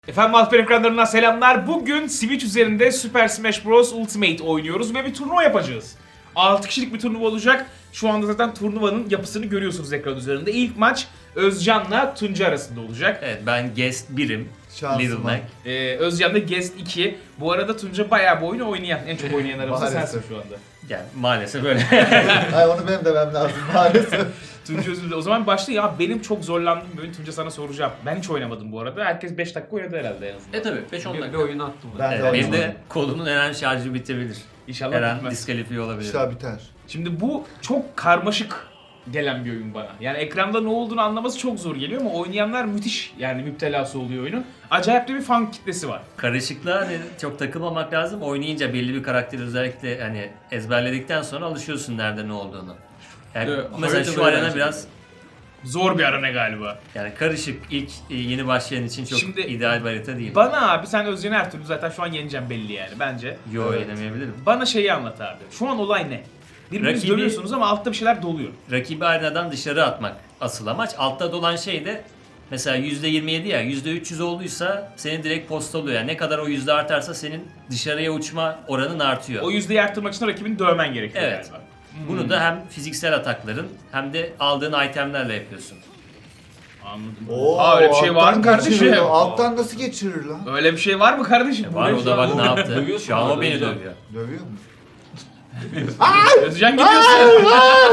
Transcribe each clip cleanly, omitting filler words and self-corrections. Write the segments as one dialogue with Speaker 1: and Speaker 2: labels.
Speaker 1: Efendim Alper ekranlarından selamlar. Bugün Switch üzerinde Super Smash Bros. Ultimate oynuyoruz ve bir turnuva yapacağız. 6 kişilik bir turnuva olacak. Şu anda zaten turnuvanın yapısını görüyorsunuz ekran üzerinde. İlk maç Özcan'la Tunca arasında olacak.
Speaker 2: Evet, ben guest 1'im. Little Mac.
Speaker 1: Özcan da Guest 2. Bu arada Tunca bayağı bu oyunu oynayan, en çok oynayan aramızda sensin şu anda.
Speaker 2: Yani maalesef öyle.
Speaker 3: Hayır onu benim demem lazım maalesef.
Speaker 1: Tunca özür dilerim. O zaman başlayayım. Ya benim çok zorlandığım bir oyun, Tunca sana soracağım. Ben hiç oynamadım bu arada. Herkes 5 dakika oynadı herhalde en azından.
Speaker 2: Tabii 5-10
Speaker 4: Bir
Speaker 2: dakika.
Speaker 4: oyun attım ben.
Speaker 3: Ben de
Speaker 2: Evet, benim
Speaker 3: oynamadım.
Speaker 2: de kolunun her an şarjı bitebilir.
Speaker 1: İnşallah
Speaker 2: Her an
Speaker 1: bitmez.
Speaker 2: diskalifiye olabilir.
Speaker 3: İşler biter.
Speaker 1: Şimdi bu çok karmaşık gelen bir oyun bana. Yani ekranda ne olduğunu anlaması çok zor geliyor ama oynayanlar müthiş yani müptelası oluyor oyunun. Acayip de bir fan kitlesi var.
Speaker 2: Karışıklığa hani çok takılmamak lazım. Oynayınca belli bir karakteri özellikle hani ezberledikten sonra alışıyorsun nerede ne olduğunu. Yani
Speaker 4: Evet,
Speaker 2: mesela şu
Speaker 4: haritada
Speaker 2: arena
Speaker 4: öğrenci.
Speaker 2: biraz
Speaker 1: Zor bir arena galiba.
Speaker 2: yani karışık. İlk yeni başlayan için çok
Speaker 1: Şimdi
Speaker 2: ideal bir harita değil.
Speaker 1: Bana abi sen Özcan'ı her türlü zaten şu an yeneceğim belli yani bence.
Speaker 2: Yo
Speaker 3: Evet.
Speaker 2: yenemeyebilirim.
Speaker 1: Bana şeyi anlat abi. Şu an olay ne? Birbirinizi
Speaker 2: Rakibi-
Speaker 1: dövüyorsunuz ama altta bir şeyler doluyor.
Speaker 2: Rakibi arenadan dışarı atmak asıl amaç. Altta dolan şey de mesela %27 ya %300 olduysa seni direkt postalıyor. Yani ne kadar o yüzde artarsa senin dışarıya uçma oranın artıyor.
Speaker 1: O yüzdeyi arttırmak için rakibini dövmen gerekiyor
Speaker 2: Evet.
Speaker 1: galiba.
Speaker 2: Bunu da hem fiziksel atakların hem de aldığın itemlerle yapıyorsun.
Speaker 1: Anladım.
Speaker 3: Oo,
Speaker 1: Aa, öyle bir şey var mı
Speaker 3: alttan
Speaker 1: kardeşim?
Speaker 3: geçiriyor. Alttan nasıl geçirir lan?
Speaker 1: Öyle bir şey var mı kardeşim? Bu
Speaker 2: Var
Speaker 1: ne
Speaker 2: o
Speaker 1: şu
Speaker 2: da
Speaker 1: an?
Speaker 2: bak ne yaptı.
Speaker 4: Dövüyorsun
Speaker 2: Şu an o
Speaker 4: orada,
Speaker 2: beni
Speaker 4: dövüyor.
Speaker 2: dövüyor.
Speaker 3: Dövüyor mu?
Speaker 1: Özcan gidiyorsun.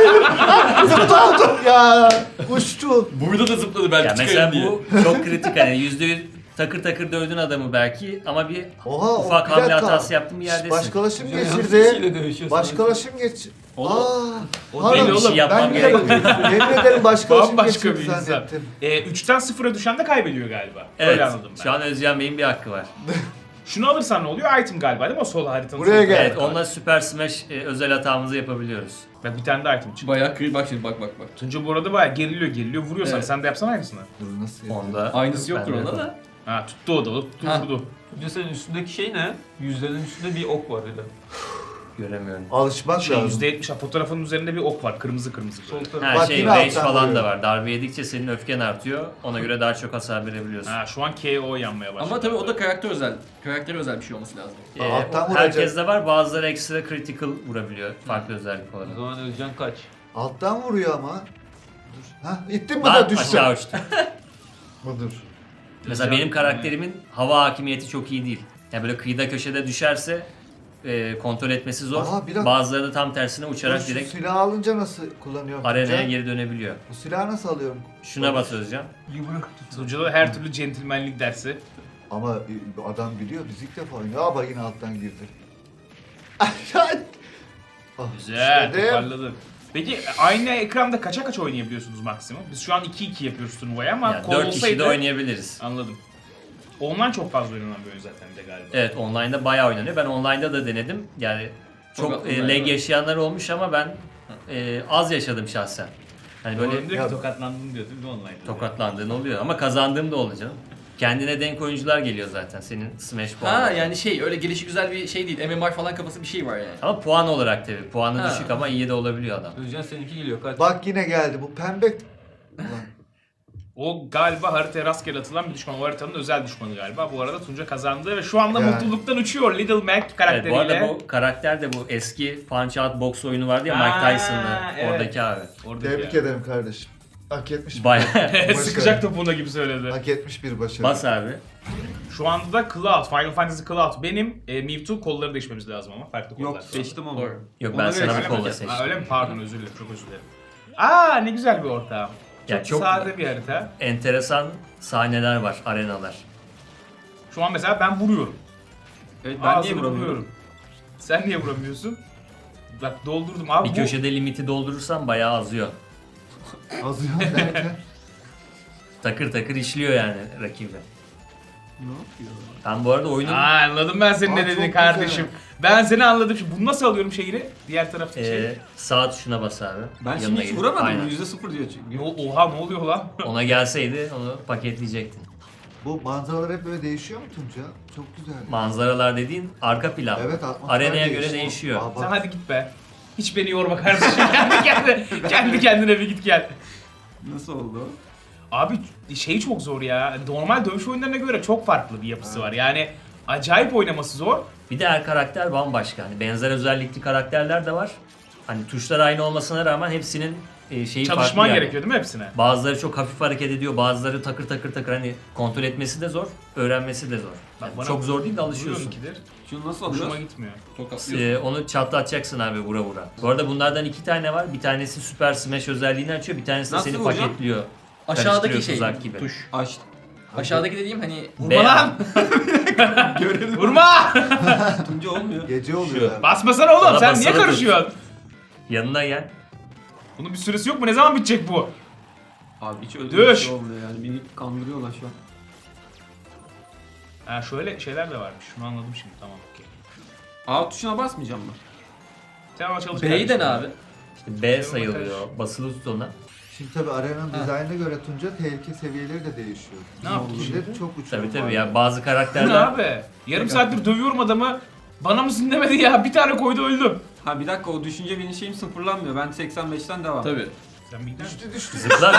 Speaker 3: Ya uçtu.
Speaker 4: Burada da zıpladı belki
Speaker 2: Ya mesela
Speaker 4: çıkarım diye.
Speaker 2: bu çok kritik hani %100 takır takır dövdün adamı belki ama bir
Speaker 3: Oha,
Speaker 2: ufak
Speaker 3: bir
Speaker 2: hamle
Speaker 3: dakika.
Speaker 2: hatası yaptın bir yerdesin.
Speaker 3: Başkalaşım
Speaker 4: Kişiyle
Speaker 3: geçirdi.
Speaker 4: dövüşüyor
Speaker 3: Başkalaşım geç.
Speaker 4: Oğlum,
Speaker 1: o
Speaker 3: pardon,
Speaker 1: değil oğlum,
Speaker 2: yapmam
Speaker 3: ben
Speaker 2: gerekiyor.
Speaker 3: yemin ederim başkalaşım
Speaker 1: Bambaşka
Speaker 3: geçirdi
Speaker 1: bir insan.
Speaker 3: zannettim.
Speaker 1: 3'ten 0'a düşen de kaybediyor galiba.
Speaker 2: Evet.
Speaker 1: Öyle anladım ben.
Speaker 2: Şu an Özcan Bey'in bir hakkı var.
Speaker 1: Şunu alırsan ne oluyor? Item galiba değil mi? O sol haritanın.
Speaker 3: Buraya
Speaker 1: sol
Speaker 3: gel.
Speaker 2: Evet, onunla Super Smash özel hatamızı yapabiliyoruz.
Speaker 1: Bak bir tane de item çıktı.
Speaker 4: Bayağı kıyı bak şimdi bak.
Speaker 1: Tunca bu arada bayağı geriliyor vuruyor sana.
Speaker 4: Evet.
Speaker 1: Sen de yapsana aynısını.
Speaker 3: Dur nasıl yapayım?
Speaker 2: Onda
Speaker 4: Aynısı yoktur
Speaker 2: ben de
Speaker 4: onda
Speaker 2: yaparım.
Speaker 4: da.
Speaker 1: Ha tuttu o da tuttu
Speaker 4: Ha.
Speaker 1: vurdu.
Speaker 4: Önce senin üstündeki şey ne? Yüzlerin üstünde bir ok var öyle.
Speaker 2: Göremiyorum.
Speaker 3: Alışmak
Speaker 1: Şey
Speaker 3: lazım.
Speaker 1: %70 fotoğrafın üzerinde bir ok var. Kırmızı
Speaker 4: Sol
Speaker 1: böyle.
Speaker 4: tarafı.
Speaker 2: Ha
Speaker 3: Bak
Speaker 2: şey
Speaker 3: yine
Speaker 2: rage
Speaker 3: alttan
Speaker 2: falan
Speaker 3: vuruyor.
Speaker 2: da var. Darbe yedikçe senin öfken artıyor. Ona göre daha çok hasar verebiliyorsun.
Speaker 1: Ha şu an KO yanmaya başladı.
Speaker 4: Ama tabii o da karakter özel. Karaktere özel bir şey olması lazım.
Speaker 3: Alttan
Speaker 2: Herkes
Speaker 3: vuracak.
Speaker 2: de var. Bazıları ekstra critical vurabiliyor. Farklı özellik
Speaker 4: O
Speaker 2: olarak.
Speaker 4: zaman Özcan kaç.
Speaker 3: Alttan vuruyor ama. Dur. Ha ittin mi
Speaker 2: Lan
Speaker 3: da düştü.
Speaker 2: aşağı uçtu.
Speaker 3: Budur.
Speaker 2: Mesela benim karakterimin hava hakimiyeti çok iyi değil. Yani böyle kıyıda köşede düşerse kontrol etmesi zor.
Speaker 3: Aa, bir dakika.
Speaker 2: Bazıları da tam tersine uçarak
Speaker 3: Şu
Speaker 2: direkt
Speaker 3: silahı alınca nasıl kullanıyorum?
Speaker 2: arenaya
Speaker 3: Tunca?
Speaker 2: geri dönebiliyor.
Speaker 3: Bu silahı nasıl alıyorum?
Speaker 2: Şuna bas Özcan.
Speaker 1: Tunca'da her türlü centilmenlik dersi.
Speaker 3: Ama adam biliyor biz ilk defa oynuyor. Aa bak yine alttan girdi. Ah,
Speaker 1: Güzel
Speaker 3: işledim.
Speaker 1: toparladın. Peki aynı ekranda kaça oynayabiliyorsunuz maksimum? Biz şu an 2-2 yapıyoruz turnuvayı ama
Speaker 2: Yani
Speaker 1: kol
Speaker 2: 4 kişi
Speaker 1: olsaydı...
Speaker 2: de oynayabiliriz.
Speaker 1: Anladım. Online çok fazla oynanan bir oyun zaten de galiba.
Speaker 2: Evet, online'da bayağı oynanıyor. Ben online'da da denedim. Yani çok
Speaker 4: Çok online
Speaker 2: lag
Speaker 4: var.
Speaker 2: yaşayanlar olmuş ama ben az yaşadım şahsen. Hani
Speaker 1: Böyle
Speaker 2: böyle
Speaker 1: diyor
Speaker 3: Ya-
Speaker 1: ki tokatlandın diyor değil mi online'da?
Speaker 2: tokatlandığın oluyor ama kazandığım da oluyor canım. Kendine denk oyuncular geliyor zaten senin Smash puanı.
Speaker 4: Ha yani şey öyle gelişi güzel bir şey değil. MMR falan kafası bir şey var yani.
Speaker 2: Ama puan olarak tabii. Puanı
Speaker 4: Ha.
Speaker 2: düşük ama iyi de olabiliyor adam.
Speaker 4: Özcan seninki geliyor kaç.
Speaker 3: Bak yine geldi bu pembe. Ulan,
Speaker 1: O galiba haritaya rastgele atılan bir düşman. O haritanın özel düşmanı galiba. Bu arada Tunca kazandı ve şu anda
Speaker 3: Yani.
Speaker 1: mutluluktan uçuyor Little Mac
Speaker 2: Evet,
Speaker 1: karakteriyle.
Speaker 2: bu arada bu karakter de bu eski Punch Out box oyunu vardı ya Mike
Speaker 1: Aa,
Speaker 2: Tyson'lı
Speaker 1: evet.
Speaker 2: oradaki abi.
Speaker 1: Oradaki
Speaker 3: Tebrik
Speaker 1: ya.
Speaker 3: ederim kardeşim. Hak etmiş.
Speaker 2: Bayağı.
Speaker 1: Sıkacak topuna gibi söyledi.
Speaker 3: Hak etmiş bir başarı.
Speaker 2: Bas abi.
Speaker 1: Şu anda da Cloud, Final Fantasy Cloud. Benim Mewtwo kolları değişmemiz lazım ama farklı kollar.
Speaker 4: Yok seçtim onu.
Speaker 2: Yok,
Speaker 4: Ona
Speaker 2: ben
Speaker 4: göre
Speaker 2: sana bir
Speaker 4: seçtim.
Speaker 2: kolla
Speaker 1: Ha,
Speaker 2: seçtim.
Speaker 1: öyle mi? Pardon özür dilerim. Çok özür dilerim. Aa ne güzel bir ortağım.
Speaker 2: Ya
Speaker 1: Çok,
Speaker 2: çok-
Speaker 1: sade bir harita.
Speaker 2: Enteresan sahneler var, arenalar.
Speaker 1: Şu an mesela ben vuruyorum.
Speaker 4: Evet ben niye
Speaker 1: Ağzını
Speaker 4: vuramıyorum?
Speaker 1: Sen niye vuramıyorsun? Bak doldurdum abi.
Speaker 2: Bir köşede limiti doldurursan bayağı azıyor.
Speaker 3: Azıyor derken.
Speaker 2: Takır takır işliyor yani rakibi.
Speaker 4: Ne yapıyor?
Speaker 2: Ben bu arada oyunun
Speaker 1: Anladım ben senin
Speaker 3: Aa,
Speaker 1: ne
Speaker 3: çok
Speaker 1: dediğini
Speaker 3: güzel.
Speaker 1: kardeşim. Ben seni anladım. Şimdi bunu nasıl alıyorum şeyini? Diğer taraftaki şeyi.
Speaker 2: sağ tuşuna bas abi.
Speaker 4: Ben
Speaker 2: Yanına
Speaker 4: şimdi hiç
Speaker 2: gidip-
Speaker 4: vuramadım.
Speaker 2: Aynen.
Speaker 4: %0 diyor çünkü.
Speaker 1: Oha ne oluyor lan?
Speaker 2: Ona gelseydi onu paketleyecektin.
Speaker 3: Bu manzaralar hep böyle değişiyor mu Tunca? Çok güzel.
Speaker 2: Manzaralar dediğin arka plan.
Speaker 3: Evet, atmosfer
Speaker 2: Arenaya göre
Speaker 3: değişiyor.
Speaker 2: değişiyor.
Speaker 3: Aa, bak.
Speaker 1: Sen hadi git be. Hiç beni yorma kardeşim. kendi kendine bir git gel.
Speaker 4: Nasıl oldu?
Speaker 1: Abi şey çok zor ya. Normal dövüş oyunlarına göre çok farklı bir yapısı var. Yani acayip oynaması zor.
Speaker 2: Bir de her karakter bambaşka. Hani benzer özellikli karakterler de var. Hani tuşlar aynı olmasına rağmen hepsinin şeyi farklı
Speaker 1: Çalışman
Speaker 2: yani.
Speaker 1: gerekiyor değil mi hepsine?
Speaker 2: Bazıları çok hafif hareket ediyor, bazıları takır takır takır, hani kontrol etmesi de zor, öğrenmesi de zor. Yani
Speaker 1: Bana
Speaker 2: çok zor değil de alışıyorsun.
Speaker 1: vuruyorum ikidir.
Speaker 4: Şunu nasıl
Speaker 1: Hoşuma
Speaker 4: alıyoruz?
Speaker 1: gitmiyor.
Speaker 4: Tokatlıyorsun.
Speaker 2: Onu çatlatacaksın abi vura vura. Bu arada bunlardan 2 tane var. Bir tanesi Super Smash özelliğini açıyor, bir tanesi de
Speaker 4: Nasıl
Speaker 2: seni
Speaker 4: vuracağım?
Speaker 2: paketliyor.
Speaker 4: Aşağıdaki
Speaker 2: Karıştırıyor
Speaker 4: şey
Speaker 2: tuzak gibi.
Speaker 4: tuş. Aş. Aşağıdaki dediğim hani
Speaker 1: Vurma lan! Vurma!
Speaker 4: Tunca olmuyor.
Speaker 3: Gece oluyor yani.
Speaker 1: Basmasana oğlum,
Speaker 2: Bana
Speaker 1: sen niye
Speaker 2: basana
Speaker 1: karışıyorsun?
Speaker 2: Yanına gel.
Speaker 1: Bunun bir süresi yok mu? Ne zaman bitecek bu?
Speaker 5: Abi hiç öyle
Speaker 1: Düş.
Speaker 5: bir şey olmuyor yani. Beni kandırıyorlar şu an.
Speaker 1: Ha şöyle şeyler de varmış. Şunu anladım şimdi. Tamam okey.
Speaker 5: A tuşuna basmayacağım mı?
Speaker 1: Sen ama çalış.
Speaker 4: B'den
Speaker 1: kardeşim.
Speaker 4: abi.
Speaker 2: İşte B sayılıyor. Basılı tut ona.
Speaker 3: Şimdi tabii arenanın dizaynına göre Tunca tehlike seviyeleri de değişiyor.
Speaker 1: Ne yaptı
Speaker 3: Şimdi çok uçuyor.
Speaker 2: Tabii tabii ya, bazı
Speaker 1: Bu ne
Speaker 2: karakterler
Speaker 1: abi? Yarım saattir dövüyorum adamı. Bana mısın demedi ya. Bir tane koydu öldüm.
Speaker 5: Ha bir dakika, o düşünce benim şeyim sıfırlanmıyor. Ben 85'ten devam.
Speaker 4: Tabii.
Speaker 1: Sen bir gider misin?
Speaker 2: zıplar.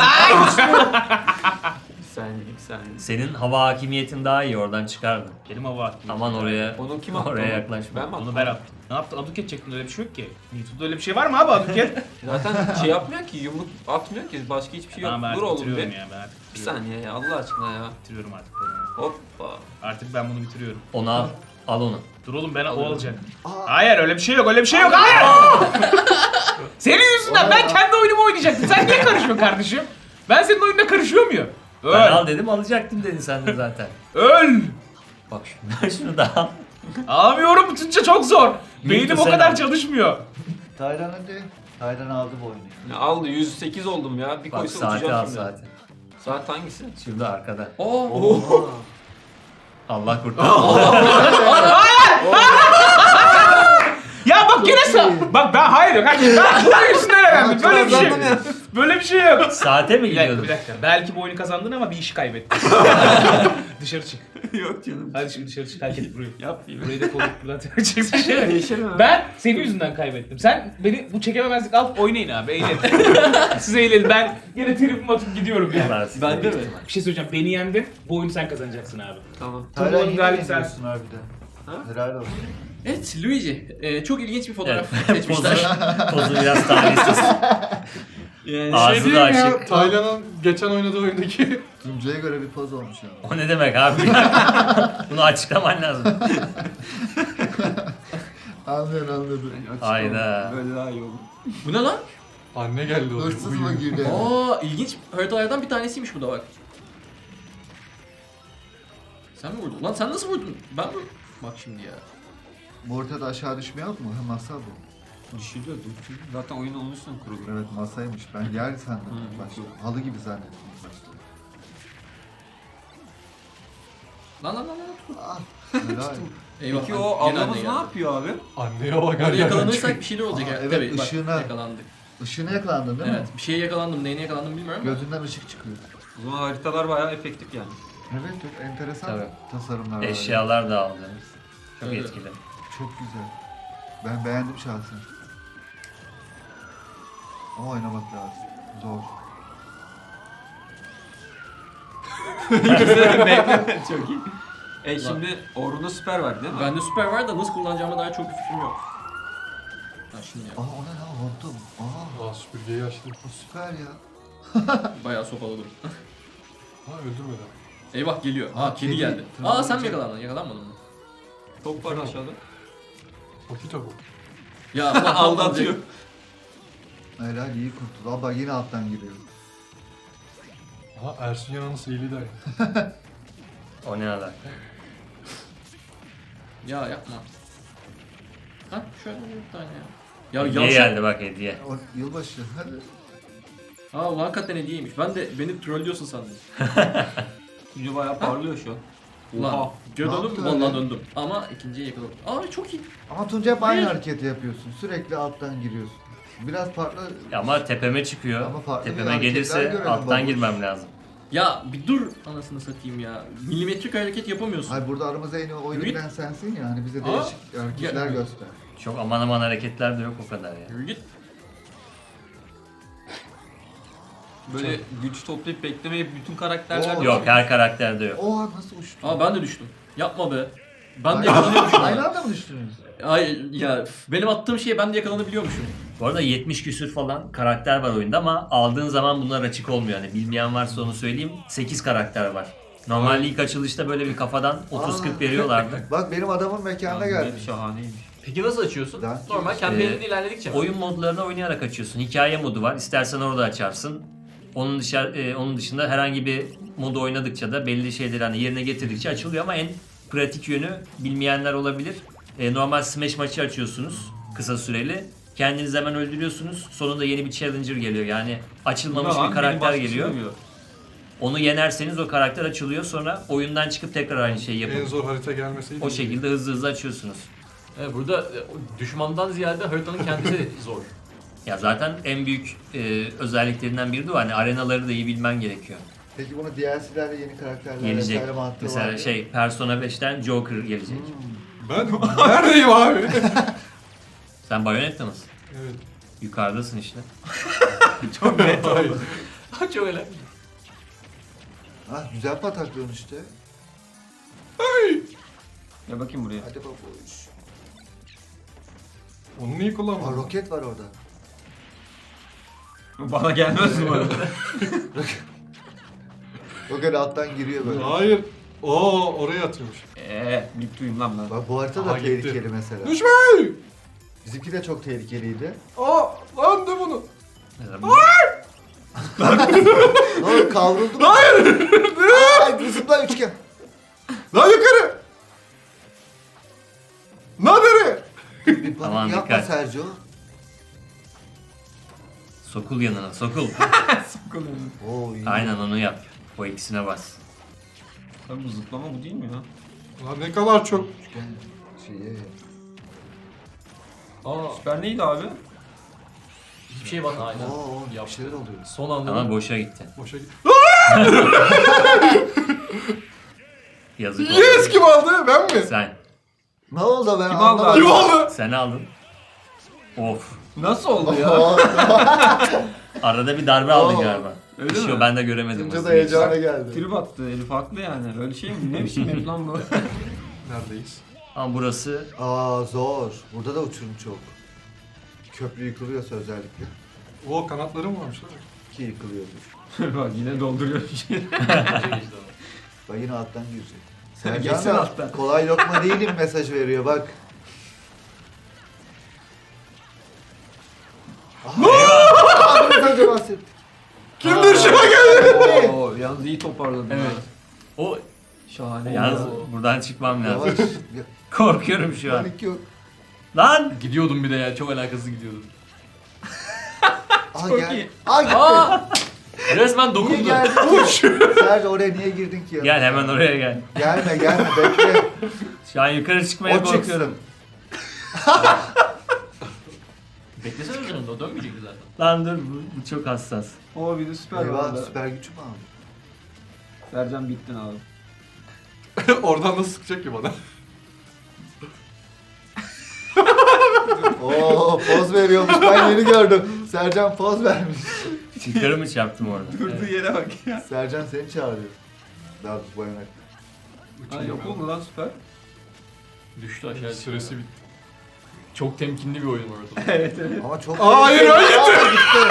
Speaker 5: Bir saniye.
Speaker 2: Senin hava hakimiyetin daha iyi, oradan çıkardın.
Speaker 1: Benim hava attı.
Speaker 2: Aman oraya
Speaker 5: Onu kim attı?
Speaker 2: oraya
Speaker 5: onu?
Speaker 2: yaklaşma.
Speaker 5: Ben mi attım?
Speaker 1: Onu ben attım. Ne yaptın? Aduket çektin, öyle bir şey yok ki. YouTube'da öyle bir şey var mı abi Aduket?
Speaker 5: Zaten şey yapmıyor ki, yumruk atmıyor ki. Başka hiçbir şey yok.
Speaker 1: Tamam ben
Speaker 5: Dur
Speaker 1: artık
Speaker 5: oğlum
Speaker 1: bitiriyorum
Speaker 5: bir.
Speaker 1: ya. Ben artık
Speaker 5: Bir
Speaker 1: bitiriyorum.
Speaker 5: saniye ya, Allah aşkına ya.
Speaker 1: Bitiriyorum artık.
Speaker 5: Hoppa.
Speaker 1: Artık ben bunu bitiriyorum.
Speaker 2: Onu al. Al onu.
Speaker 1: Dur oğlum ben o alacak.
Speaker 3: Aa.
Speaker 1: Hayır öyle bir şey yok, öyle bir şey yok. Hayır! Senin yüzünden ben kendi oyunumu oynayacaktım. Sen niye karışıyorsun kardeşim? Ben senin oyununa karışıyor muyum?
Speaker 2: Ben
Speaker 1: Öl!
Speaker 2: al dedim, alacaktım dedin sen de zaten.
Speaker 1: Öl!
Speaker 2: Bak şunu, şunu da al.
Speaker 1: Alamıyorum, tutunca çok zor. Beynim o
Speaker 2: sen
Speaker 1: kadar
Speaker 2: al.
Speaker 1: çalışmıyor.
Speaker 3: Taylan hadi. Taylan aldı bu oyunu.
Speaker 5: Ya aldı, 108 oldum ya. Bir
Speaker 2: Bak
Speaker 5: koysa
Speaker 2: saati
Speaker 5: uçacağım
Speaker 2: al
Speaker 5: şimdi.
Speaker 2: saati.
Speaker 5: Saat hangisi?
Speaker 2: Şurada arkada.
Speaker 4: Oo.
Speaker 2: Allah kurtarsın.
Speaker 1: Ya bak yine bak ben hayır yok. Hayır. Ben bunun yüzünden elendim. Böyle bir şey. Böyle bir şey yok.
Speaker 2: Saate mi
Speaker 1: Bir dakika,
Speaker 2: gidiyordun?
Speaker 1: bir dakika. Belki bu oyunu kazandın ama bir işi kaybettin. Dışarı çık.
Speaker 5: Yok canım.
Speaker 1: Hadi dışarı çık. Terk et burayı.
Speaker 5: Yapmayayım.
Speaker 1: Burayı da kovup buradan çekeceksin.
Speaker 5: Değişelim abi.
Speaker 1: Ben senin yüzünden kaybettim. Sen beni bu çekememezlik al, oynayın abi, eğlenin. Siz eğlenin, ben yine tribimi atıp gidiyorum ya.
Speaker 5: Ben de mi?
Speaker 1: Bir şey söyleyeceğim, beni yendin, bu oyunu sen kazanacaksın abi.
Speaker 5: Tamam.
Speaker 3: Taylan
Speaker 1: Turnuvanın
Speaker 3: yine
Speaker 1: galibi
Speaker 3: yeniyorsun harbiden.
Speaker 5: Ha?
Speaker 3: Helal olsun.
Speaker 4: Evet Luigi. Çok ilginç bir fotoğraf
Speaker 2: Evet.
Speaker 4: seçmişler.
Speaker 2: Pozu biraz talihsiz.
Speaker 5: Yani
Speaker 2: Ağzı da açık.
Speaker 6: Taylan'ın geçen oynadığı oyundaki
Speaker 3: Tunca'ya göre bir poz olmuş ya.
Speaker 2: O ne demek abi? Bunu açıklaman lazım.
Speaker 3: Anladım.
Speaker 2: Hayda.
Speaker 5: Böyle daha iyi olur.
Speaker 4: Bu ne lan?
Speaker 6: anne geldi o.
Speaker 3: Hırsız mı girdi?
Speaker 4: Aa ilginç haritalardan bir tanesiymiş bu da bak. Sen mi vurdun? Lan sen nasıl vurdun? Ben mi? Bak şimdi ya.
Speaker 3: Bu ortada aşağı düşme yok mu? Ha, masa bu.
Speaker 5: Düşürüyor. Zaten oyun onun üstüne kurulu.
Speaker 3: Evet masaymış. Ben yer sandım.
Speaker 5: Hı,
Speaker 3: Başta.
Speaker 5: yok.
Speaker 3: Halı gibi zannettim başta.
Speaker 4: Lan.
Speaker 3: Ah, helal.
Speaker 4: Eyvah.
Speaker 5: Peki
Speaker 4: lan,
Speaker 5: o
Speaker 4: yine
Speaker 5: ablamız
Speaker 4: anne
Speaker 5: ne
Speaker 4: geldi.
Speaker 5: yapıyor abi?
Speaker 6: Anneye bak
Speaker 4: Orada
Speaker 6: her yerden
Speaker 4: yakalanırsak
Speaker 6: çıkıyor.
Speaker 4: bir şeyler olacak
Speaker 3: Aa,
Speaker 4: ya.
Speaker 3: evet,
Speaker 4: Tabii bak
Speaker 3: ışığına.
Speaker 4: yakalandık.
Speaker 3: Işığına yakalandın değil
Speaker 4: Evet
Speaker 3: mi?
Speaker 4: bir şeye yakalandım. Neyine yakalandım bilmiyorum ama.
Speaker 3: Gözünden ışık çıkıyor.
Speaker 5: O zaman haritalar bayağı efektif yani.
Speaker 3: Evet çok enteresan
Speaker 2: Tabii.
Speaker 3: tasarımlar var.
Speaker 2: Eşyalar da aldınız. Çok
Speaker 4: Evet.
Speaker 2: etkili.
Speaker 3: Çok güzel. Ben beğendim şahsen. Ama oynamak lazım. Zor.
Speaker 5: Çok iyi. Şimdi Orhun'da süper var değil mi?
Speaker 4: Bende süper var da nasıl kullanacağıma dair çok bir fikrim yok. Ha şimdi ya.
Speaker 3: Aa o ne lan hortum. Aa
Speaker 6: Aa süpürgeyi açtım.
Speaker 3: o süper ya.
Speaker 4: Bayağı sopaladım.
Speaker 6: Ha öldürmedi.
Speaker 4: Eyvah geliyor.
Speaker 3: Aa,
Speaker 4: Aa kedi
Speaker 3: kedi.
Speaker 4: geldi.
Speaker 3: Tamam,
Speaker 4: Aa sen mi
Speaker 3: olacak.
Speaker 4: yakalandın? Yakalanmadın mı?
Speaker 5: Top var aşağıda.
Speaker 6: Okito bu.
Speaker 4: Ya Allah
Speaker 5: Aldatıyor.
Speaker 3: Helal iyi kurtuldu. Aa bak yine alttan giriyor.
Speaker 6: Aha Ersun Yanan'ın sihirli dayı.
Speaker 2: O ne alaka?
Speaker 4: Ya yapma. Ha şöyle bir tane ya. Ya
Speaker 2: Hediye
Speaker 4: yavşak.
Speaker 2: geldi bak, hediye.
Speaker 3: O yılbaşı hadi.
Speaker 4: Aa ulan hakikaten hediyeymiş. Ben de beni trollüyorsun sandım.
Speaker 5: Tunca bayağı parlıyor şu an.
Speaker 4: Ulan
Speaker 5: Oha.
Speaker 4: döndüm
Speaker 3: Ne
Speaker 4: mü?
Speaker 3: yaptı
Speaker 4: Vallahi
Speaker 3: öyle?
Speaker 4: döndüm. Ama ikinciye yakaladım. Aa çok iyi.
Speaker 3: Ama Tunca hep aynı
Speaker 4: Hayır.
Speaker 3: hareketi yapıyorsun. Sürekli alttan giriyorsun. Biraz farklı.
Speaker 2: Ama tepeme çıkıyor.
Speaker 3: Ama farklı bir
Speaker 2: Tepeme
Speaker 3: hareketler
Speaker 2: gelirse
Speaker 3: görelim
Speaker 2: alttan
Speaker 3: babuş.
Speaker 2: girmem lazım.
Speaker 4: Ya bir dur anasını satayım ya. Milimetrik hareket yapamıyorsun.
Speaker 3: Hayır burada aramızda en iyi oyunu
Speaker 4: Yürü.
Speaker 3: bilen sensin ya. Hani bize
Speaker 4: Aa.
Speaker 3: değişik hareketler
Speaker 4: Ya.
Speaker 3: göster.
Speaker 2: Çok aman aman hareketler de yok o kadar ya.
Speaker 4: Yürü git.
Speaker 5: Böyle güç toplayıp beklemeyip bütün karakterler...
Speaker 3: Oo.
Speaker 2: Yok, her karakterde yok.
Speaker 3: Oha nasıl uçtu?
Speaker 4: Aa ben de düştüm. Yapma be. Ben de yakalanıyormuşum.
Speaker 3: Aynı anda mı düştünüz?
Speaker 4: Ay ya benim attığım şeye ben de yakalanabiliyormuşum.
Speaker 2: Bu arada 70 küsür falan karakter var oyunda ama aldığın zaman bunlar açık olmuyor. Yani bilmeyen varsa onu söyleyeyim. 8 karakter var. Normalde ilk açılışta böyle bir kafadan 30-40 veriyorlardı.
Speaker 3: Bak benim adamın mekanına geldi.
Speaker 5: Şahaneymiş.
Speaker 4: Peki nasıl açıyorsun?
Speaker 3: Ben-
Speaker 4: Normal kampanyada ilerledikçe.
Speaker 2: Oyun modlarını oynayarak açıyorsun. Hikaye modu var. İstersen orada açarsın. Onun dışında herhangi bir modu oynadıkça da belli şeyleri hani yerine getirdikçe açılıyor ama en pratik yönü bilmeyenler olabilir. Normal Smash maçı açıyorsunuz kısa süreli. Kendinizi hemen öldürüyorsunuz. Sonunda yeni bir challenger geliyor. Yani açılmamış bir karakter geliyor. Onu yenerseniz o karakter açılıyor. Sonra oyundan çıkıp tekrar aynı şeyi
Speaker 6: En
Speaker 2: yapın.
Speaker 6: zor harita gelmeseydi.
Speaker 2: O şekilde hızlı hızlı açıyorsunuz.
Speaker 4: Evet, burada düşmandan ziyade haritanın kendisi zor.
Speaker 2: Ya zaten en büyük özelliklerinden biri de o. Hani arenaları da iyi bilmen gerekiyor.
Speaker 3: Peki bunu DLC'lerle yeni karakterler
Speaker 2: Gelecek.
Speaker 3: vesaire mantığı var
Speaker 2: Mesela
Speaker 3: mı?
Speaker 2: Persona 5'ten Joker gelecek.
Speaker 6: Ben neredeyim abi?
Speaker 2: Sen Bayonetta mısın?
Speaker 6: Evet.
Speaker 2: Yukarıdasın işte.
Speaker 4: Çok net oldu. Çok öyle.
Speaker 3: Ah güzel pataklıyorsun işte.
Speaker 5: Ya bakayım buraya.
Speaker 3: Hadi babuş.
Speaker 6: Onu niye
Speaker 3: Aa
Speaker 6: kullanmadın?
Speaker 3: roket var orada.
Speaker 5: Bana gelmez mi arada?
Speaker 3: Roket alttan giriyor böyle.
Speaker 6: Hayır. Oo oraya atıyormuş.
Speaker 5: Mutluyum lan ben.
Speaker 3: Bak bu harita da
Speaker 6: Aha, gitti.
Speaker 3: tehlikeli mesela.
Speaker 6: Düşme!
Speaker 3: Bizimki de çok tehlikeliydi.
Speaker 6: Aa lan de bunu.
Speaker 2: Mesela
Speaker 3: Ne oldu kavruldum. Hayır! Ay zıpla üçgen.
Speaker 6: Lan yukarı! Lan nereye?
Speaker 3: Bir panik
Speaker 2: Aman
Speaker 3: yapma
Speaker 2: dikkat.
Speaker 3: Sergio.
Speaker 2: sokul yanına, sokul.
Speaker 3: Oo iyi.
Speaker 2: Aynen onu yap. O ikisine bas.
Speaker 5: Tabii bu zıplama bu değil mi ya?
Speaker 6: Lan ne kadar çok.
Speaker 3: Üçgen şeyi.
Speaker 5: Aa süper neydi abi?
Speaker 4: Hiçbir şey bana aynen.
Speaker 3: Oo bir
Speaker 4: Yaptı.
Speaker 3: şeyler oluyor.
Speaker 4: Son anda
Speaker 2: Ama boşa gitti.
Speaker 6: Boşa git.
Speaker 2: Yazık oldu.
Speaker 6: Yes kim aldı? Ben mi?
Speaker 2: Sen.
Speaker 3: Ne oldu ben
Speaker 5: Kim aldı
Speaker 3: anlamadım.
Speaker 6: Kim aldı?
Speaker 2: Sen aldın. Of.
Speaker 5: Nasıl oldu ya?
Speaker 3: Oo,
Speaker 2: Arada bir darbe aldın
Speaker 3: Oo.
Speaker 2: galiba.
Speaker 5: Öyle
Speaker 2: Bir şey
Speaker 5: mi?
Speaker 2: o, ben de göremedim.
Speaker 3: Tunca da
Speaker 2: aslında.
Speaker 3: heyecana geldi.
Speaker 5: Trip attı Elif haklı yani. Öyle şey mi? Ne biçim herif lan bu?
Speaker 6: Neredeyiz?
Speaker 2: Ama burası
Speaker 3: Aa zor. Burada da uçurum çok. Köprü yıkılıyorsa özellikle.
Speaker 6: Oo kanatlarım varmış lan.
Speaker 3: Ki yıkılıyordur.
Speaker 5: Bak yine dolduruyor bir şey.
Speaker 3: Bak yine alttan girecek.
Speaker 5: Geçsene
Speaker 3: Sercan da
Speaker 5: alttan.
Speaker 3: kolay lokma değilim mesaj veriyor bak. Aha! Biraz önce bahsettik.
Speaker 6: Kimdir şuna geldi?
Speaker 5: Oo, yalnız iyi toparladın.
Speaker 4: Evet.
Speaker 5: ha.
Speaker 4: O
Speaker 5: Şahane.
Speaker 2: yalnız
Speaker 4: Oo.
Speaker 2: buradan çıkmam lazım.
Speaker 3: Yavaş.
Speaker 2: Korkuyorum şu an.
Speaker 3: Panik yok.
Speaker 2: Lan!
Speaker 4: gidiyordum bir de ya çok alakasız gidiyordum.
Speaker 3: Aa
Speaker 5: Çok
Speaker 3: gel.
Speaker 5: iyi.
Speaker 3: Aa gitti.
Speaker 4: Aa! Resmen
Speaker 3: Niye
Speaker 4: dokundu.
Speaker 3: geldin ki? Sercan oraya niye girdin ki ya?
Speaker 2: Gel hemen oraya gel.
Speaker 3: Gelme bekle.
Speaker 2: Şu an yukarı çıkmaya
Speaker 3: O
Speaker 2: korkuyorum.
Speaker 3: çıksın.
Speaker 4: Beklesene üzerinde o dönmeyecekti zaten.
Speaker 2: Lan dur bu çok hassas.
Speaker 5: Oo bir de süper
Speaker 3: Eyvah
Speaker 5: vardı.
Speaker 3: süper gücü mü aldın?
Speaker 5: Sercan bittin abi.
Speaker 6: Oradan nasıl sıkacak ki bana?
Speaker 3: Oo poz veriyormuş ben yeni gördüm. Sercan poz vermiş.
Speaker 2: Yukarı mı çarptım orada?
Speaker 5: Durduğu yere bak ya.
Speaker 3: Sercan seni çağırıyor. Daha doğrusu bayanak.
Speaker 5: Ha yok oldu lan süper.
Speaker 4: Düştü aşağı.
Speaker 6: Süresi bitti.
Speaker 4: Çok temkinli bir oyun var orada.
Speaker 5: Evet evet.
Speaker 3: Ama çok...
Speaker 6: Hayır, hayır.
Speaker 3: Aa, gitti.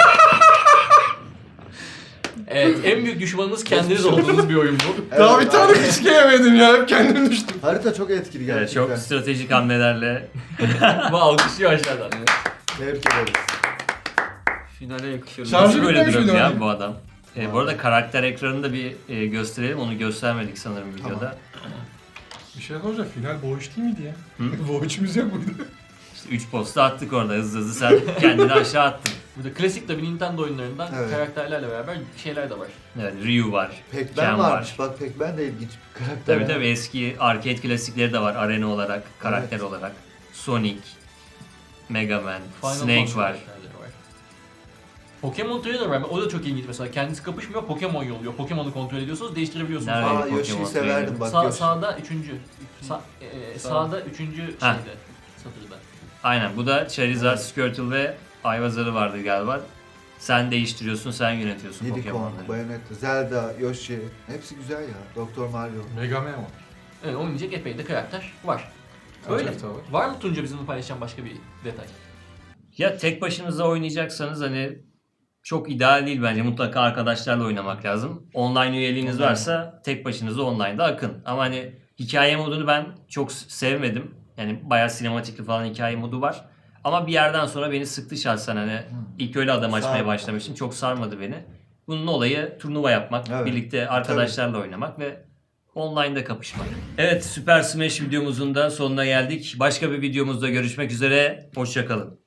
Speaker 4: Evet en büyük düşmanınız kendiniz olduğunuz bir oyun bu.
Speaker 3: Evet,
Speaker 6: Daha bir tane
Speaker 3: aynen.
Speaker 6: fiske yemedim ya. Hep kendim düştüm.
Speaker 3: Harita çok etkili
Speaker 2: Evet,
Speaker 3: gerçekten.
Speaker 2: çok stratejik hamlelerle.
Speaker 4: Bu alkışlıyor aşağıdan.
Speaker 3: Tebrik ederiz.
Speaker 5: Finale yakışır.
Speaker 6: Şarjı
Speaker 2: Nasıl böyle
Speaker 6: bitmemiş
Speaker 2: duruyor
Speaker 6: miydi
Speaker 2: ya
Speaker 6: abi?
Speaker 2: bu adam? Bu arada karakter ekranını da bir gösterelim. Onu göstermedik sanırım videoda.
Speaker 6: Bir şey soracağım. Final boğuş değil miydi ya? Boğuşumuz yok muydu?
Speaker 2: İşte 3 posta attık orada hızlı hızlı. Sen kendini aşağı attın.
Speaker 4: Burada klasik tabii Nintendo oyunlarından
Speaker 3: Evet.
Speaker 4: karakterlerle beraber şeyler de var.
Speaker 2: Evet, Ryu var.
Speaker 3: Pac-Man
Speaker 2: Ken
Speaker 3: varmış. Bak Pac-Man de ilginç bir karakter.
Speaker 2: Tabii tabii eski arcade klasikleri de var arena olarak, karakter olarak. Sonic, Mega Man,
Speaker 4: Final
Speaker 2: Snake
Speaker 4: Fantasy
Speaker 2: var.
Speaker 4: karakterleri var. Pokemon Trainer var. O da çok ilginç mesela. Kendisi kapışmıyor, Pokemon yolluyor. Pokemon'u kontrol ediyorsunuz, değiştirebiliyorsunuz.
Speaker 2: Nerede?
Speaker 3: Aa
Speaker 2: Pokemon
Speaker 3: Yoshi'yi
Speaker 2: Trainer.
Speaker 3: severdim bak.
Speaker 4: Sağ,
Speaker 3: Yoshi.
Speaker 4: sağda üçüncü. Sağda üçüncü
Speaker 2: Ha.
Speaker 4: şeyde. Satırda.
Speaker 2: Aynen bu da Charizard, Squirtle ve Ayvazar'ı vardı galiba. Sen değiştiriyorsun, sen yönetiyorsun
Speaker 3: Unicorn,
Speaker 2: Pokemon'ları.
Speaker 3: Bayonetta, Zelda, Yoshi. Hepsi güzel ya. Doktor Mario.
Speaker 6: Mega Man var.
Speaker 4: Evet, oynayacak epey de karakter var. Öyle.
Speaker 6: Harita var.
Speaker 4: Var mı Tunca bizimle paylaşacağın başka bir detay?
Speaker 2: Ya tek başınıza oynayacaksanız hani çok ideal değil bence. Mutlaka arkadaşlarla oynamak lazım. Online üyeliğiniz varsa tek başınıza online'da akın. Ama hani hikaye modunu ben çok sevmedim. Yani bayağı sinematikli falan hikaye modu var. Ama bir yerden sonra beni sıktı şahsen hani ilk öyle adam açmaya
Speaker 3: Sarmadı.
Speaker 2: başlamıştım. Çok sarmadı beni. Bunun olayı turnuva yapmak,
Speaker 3: Evet.
Speaker 2: birlikte arkadaşlarla oynamak ve online'da kapışmak. Evet, Super Smash videomuzun da sonuna geldik. Başka bir videomuzda görüşmek üzere. Hoşça kalın.